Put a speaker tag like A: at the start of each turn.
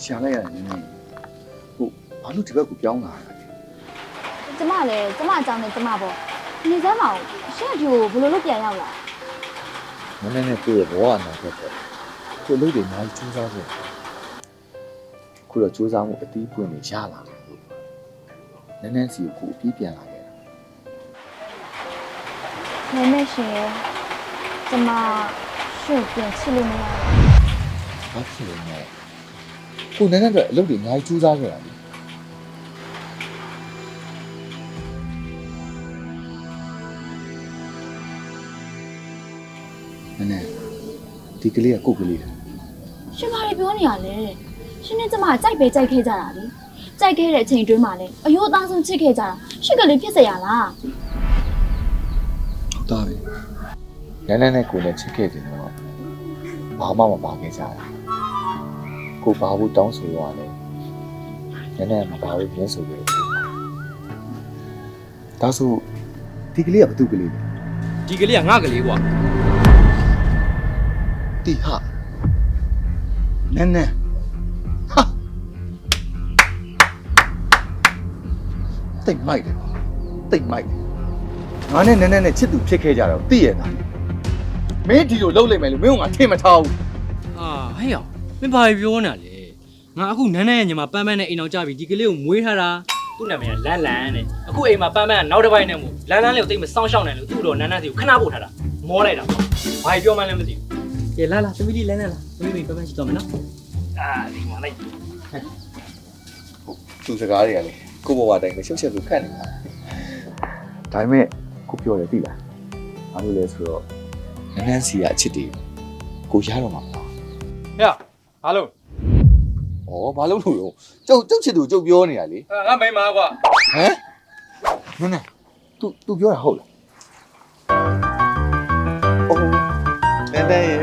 A: ရှာလိုက်ရတယ်နည်းနည်းဟုတ်ဘာလို့ဒီဘက်ကိုပြောင်းလာတာလဲ
B: ကျမလည်းကျမအကြောင်းနဲ့ကျမပေါ့နေစမ်းမအောင်ရှင့်အဖြူကိုဘယ်လိုလုပ်ပြန်ရောက်လာ
A: နည်းနည်းနဲ့ကိုယ့်ရဲ့ဘဝအနာဂတ်ပေါ့ကိုယ်လုပ်တယ်အများကြီးစူးစမ်းဖို့ခုတော့စူးစမ်းမှုအတီးပွင့်နေရလာတယ်လို့နည်းနည်းစီကိုအပြီးပြန်လာခဲ့တာ
B: နေမဲ့ရှင်ရဲ့ကျမရှင့်ပြန်ချစ်လို့မရဘူး
A: ဘာဖြစ်လဲမလဲကိုနည်းနည်းတော့အလုပ်တွေအများကြီးစူးစမ်းခဲ့တာလေနည်းနည်းဒီကလေးကကိုယ့်ကလေး
B: ရှင်ဘာတွေပြောနေရလဲရှင်နဲ့ကျမကြိုက်ပဲကြိုက်ခဲ့ကြတာလေကြိုက်ခဲ့တဲ့အချိန်တွင်းမှာလည်းအယိုးအသားဆုံးချစ်ခဲ့ကြတာရှင့်ကလေးဖြစ်စရာလား
A: ဟုတ်သားပဲနည်းနည်းနဲ့ကိုယ်နဲ့ချစ်ခဲ့တယ်တော့ဘာမှမပါခဲ့ကြတာကိုဘာဘူးတောင်းဆိုရတယ်နည်းနည်းမပါဘူးပြင်းဆိုခဲ့တယ်ဒါဆိုဒီကလေးကဘသူကလေးလဲ
C: ဒီကလေးကငါကလေးကွာ
A: တီဟာနန်းနန်းဟာတိတ်မိုက်တယ်တိတ်မိုက်တယ်ငါနဲ့နန်းနန်းနဲ့ချစ်သူဖြစ်ခဲ့ကြတော့သိရတာမင်းဒီလိုလှုပ်လိုက်မယ်လို့မင်းကငါထင်မထားဘူး
C: ဟာဟဲ့အောင်မင်းဘာပြောနေတာလဲငါအခုနန်းနန်းရဲ့ညီမပန်းပန်းနဲ့အိမ်အောင်ကြပြီဒီကလေးကိုမွေးထားတာသူ့နာမည်ကလန်းလန်းတဲ့အခုအိမ်မှာပန်းပန်းကနောက်တစ်ပိုင်းနဲ့မို့လန်းလန်းလေးကိုတိတ်မစောင့်ရှောက်နိုင်လို့သူ့တော့နန်းနန်းစီကိုခဏပို့ထားတာမောလိုက်တာပေါ့ဘာပြောမှလည်းမသိဘူးကဲလာလာသမီးလေးလန်းလန်းလာသမီးလေးပန်းပန်းရှိတော့မယ်နော်အာဒီမှာလိုက်
A: သူစကားတွေကလေကိုဘဝတိုင်းပဲရှုပ်ရှက်လို့ခတ်နေတာဒါပေမဲ့ကိုပြောတယ်သိလားဘာလို့လဲဆိုတော့နန်းနန်းစီကအချစ်တယ်ကိုရတော့မှာပေါ့
C: ဟဲ့ဘာလို့
A: ဩဘာလို့လို့ရောကျုပ်ချစ်သူကျုပ်ပြောနေတာလေ
C: ငါမိန်းမကွာ
A: ဟမ်နန်းနန်း तू ပြောတာဟုတ်လားအိုးနန်းနန်းရေ